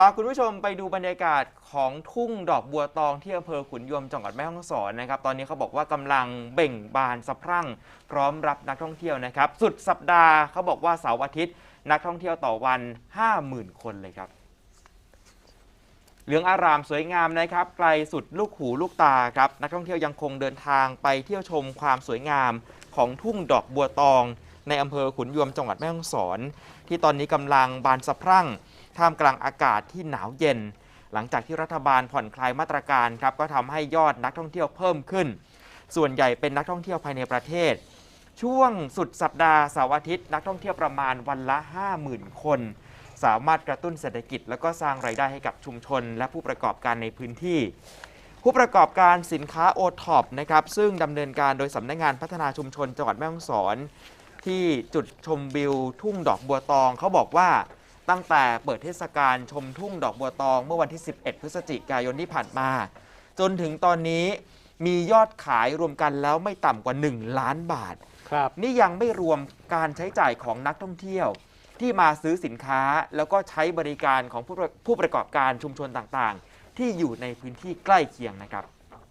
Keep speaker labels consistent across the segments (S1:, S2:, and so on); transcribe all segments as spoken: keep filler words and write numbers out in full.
S1: พาคุณผู้ชมไปดูบรรยากาศของทุ่งดอกบัวตองที่อำเภอขุนยวมจังหวัดแม่ฮ่องสอนนะครับตอนนี้เขาบอกว่ากำลังเบ่งบานสะพรั่งพร้อมรับนักท่องเที่ยวนะครับสุดสัปดาห์เขาบอกว่าเสาร์อาทิตย์นักท่องเที่ยวต่อวัน ห้าหมื่น คนเลยครับเหลืองอารามสวยงามนะครับไกลสุดลูกหูลูกตาครับนักท่องเที่ยวยังคงเดินทางไปเที่ยวชมความสวยงามของทุ่งดอกบัวตองในอำเภอขุนยวมจังหวัดแม่ฮ่องสอนที่ตอนนี้กำลังบานสะพรั่งท่ามกลางอากาศที่หนาวเย็นหลังจากที่รัฐบาลผ่อนคลายมาตรการครับก็ทำให้ยอดนักท่องเที่ยวเพิ่มขึ้นส่วนใหญ่เป็นนักท่องเที่ยวภายในประเทศช่วงสุดสัปดาห์เสาร์อาทิตย์นักท่องเที่ยวประมาณวันละ ห้าหมื่น คนสามารถกระตุ้นเศรษฐกิจแล้วก็สร้างรายได้ให้กับชุมชนและผู้ประกอบการในพื้นที่ผู้ประกอบการสินค้าโอท็อปนะครับซึ่งดำเนินการโดยสำนักงานพัฒนาชุมชนจังหวัดแม่ฮ่องสอนที่จุดชมวิวทุ่งดอกบัวตองเขาบอกว่าตั้งแต่เปิดเทศกาลชมทุ่งดอกบัวตองเมื่อวันที่ สิบเอ็ด พฤศจิกายนที่ผ่านมาจนถึงตอนนี้มียอดขายรวมกันแล้วไม่ต่ำกว่า หนึ่ง ล้านบาทครับนี่ยังไม่รวมการใช้จ่ายของนักท่องเที่ยวที่มาซื้อสินค้าแล้วก็ใช้บริการของผู้ผู้ประกอบการชุมชนต่างๆที่อยู่ในพื้นที่ใกล้เคียงนะครับ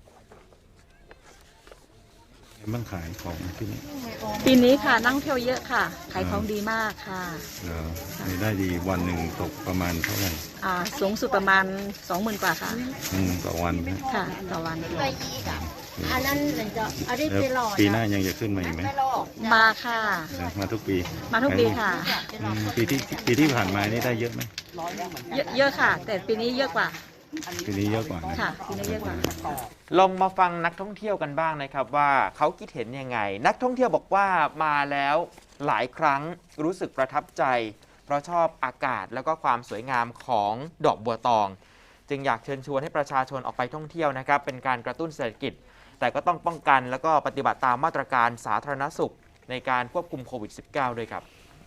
S2: บ้างขายของที่นี่
S3: ปีนี้ค่ะนั่งเที่ยวเยอะค่ะขายของดีมากค่ะ
S2: รายได้ดีวันหนึ่งตกประมาณเท่าไหร่
S3: อ่าสูงสุดประมาณสองหมื่นกว่าค่ะ
S2: อืมต่อวัน
S3: ค่ะต่อวัน
S4: อันนั้นจะอันนี้ไปหล่อ
S2: ปีหน้ายังจะขึ้นมาอีกไหม
S3: มาค่ะ
S2: มาทุกปี
S3: มาทุกปีค่ะ
S2: ปีที่ปีที่ผ่านมานี่ได้เยอะไหม
S3: เยอะค่ะแต่ปีนี้เยอะกว่า
S2: ปีนี้เยอะกว่า
S3: ค่ะปีนี้เยอะกว่า
S1: ลองมาฟังนักท่องเที่ยวกันบ้างนะครับว่าเขาคิดเห็นยังไงนักท่องเที่ยวบอกว่ามาแล้วหลายครั้งรู้สึกประทับใจเพราะชอบอากาศแล้วก็ความสวยงามของดอกบัวตองจึงอยากเชิญชวนให้ประชาชนออกไปท่องเที่ยวนะครับเป็นการกระตุ้นเศรษฐกิจแต่ก็ต้องป้องกันแล้วก็ปฏิบัติตามมาตรการสาธารณสุขในการควบคุมโควิด สิบเก้า ด้วยครับ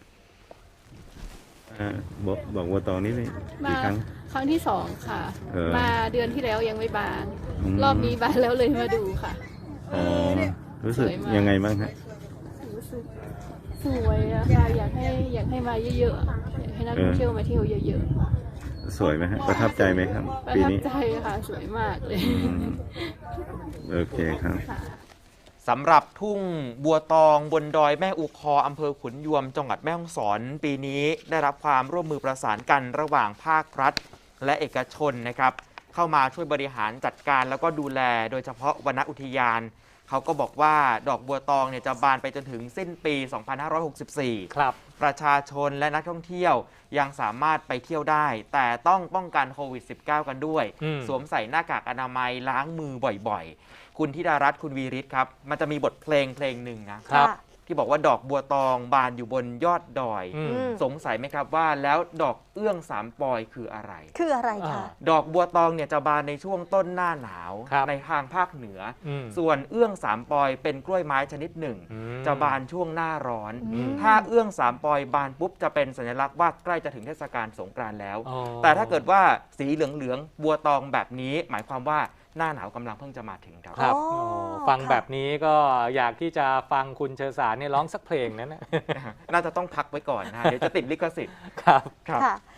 S2: บอกบอกว่าตอนนี้กี่ครั้ง
S5: ครั้งที่สองค่ะมาเดือนที่แล้วยังไม่บานรอบนี้บานแล้วเลยมาดูค่ะ
S2: อ๋อรู้สึกยังไงบ้างฮะ
S5: รู้สึกสวยอะค่ะอยากให้อยากให้มาเยอะๆอยากให้นักท่องเที่ยวมาเที่ยวเยอะ
S2: ๆสวยไหมฮะประทับใจไหมครับ
S5: ปีนี้ประทับใจค่ะสวยมากเลย
S2: โอเคครับ
S1: สำหรับทุ่งบัวตองบนดอยแม่อุคออำเภอขุนยวมจังหวัดแม่ฮ่องสอนปีนี้ได้รับความร่วมมือประสานกันระหว่างภาครัฐและเอกชนนะครับเข้ามาช่วยบริหารจัดการแล้วก็ดูแลโดยเฉพาะวนอุทยานเขาก็บอกว่าดอกบัวตองเนี่ยจะบานไปจนถึงสิ้นปี สองพันห้าร้อยหกสิบสี่ ครับประชาชนและนักท่องเที่ยวยังสามารถไปเที่ยวได้แต่ต้องป้องกันโควิด สิบเก้า กันด้วยสวมใส่หน้ากากอนามัยล้างมือบ่อยๆคุณธิดารัตน์คุณวีริศครับมันจะมีบทเพลงเพลงหนึ่งนะครับที่บอกว่าดอกบัวตองบานอยู่บนยอดดอยสงสัยไหมครับว่าแล้วดอกเอื้องสามปอยคืออะไร
S4: คืออะไรคะ
S1: ดอกบัวตองเนี่ยจะบานในช่วงต้นหน้าหนาวในทางภาคเหนือส่วนเอื้องสามปอยเป็นกล้วยไม้ชนิดหนึ่งจะบานช่วงหน้าร้อนถ้าเอื้องสามปอยบานปุ๊บจะเป็นสัญลักษณ์ว่าใกล้จะถึงเทศกาลสงกรานต์แล้วแต่ถ้าเกิดว่าสีเหลืองๆบัวตองแบบนี้หมายความว่าหน้าหนาวกำลังเพิ่งจะมาถึงครับ
S6: ครับฟังแบบนี้ก็อยากที่จะฟังคุณเชอสารเนี่ยร้องสักเพลงนั้นนะ
S1: น่าจะต้องพักไว้ก่อนนะเดี๋ยวจะติดลิขสิทธิ์
S6: ครับ
S4: ครับ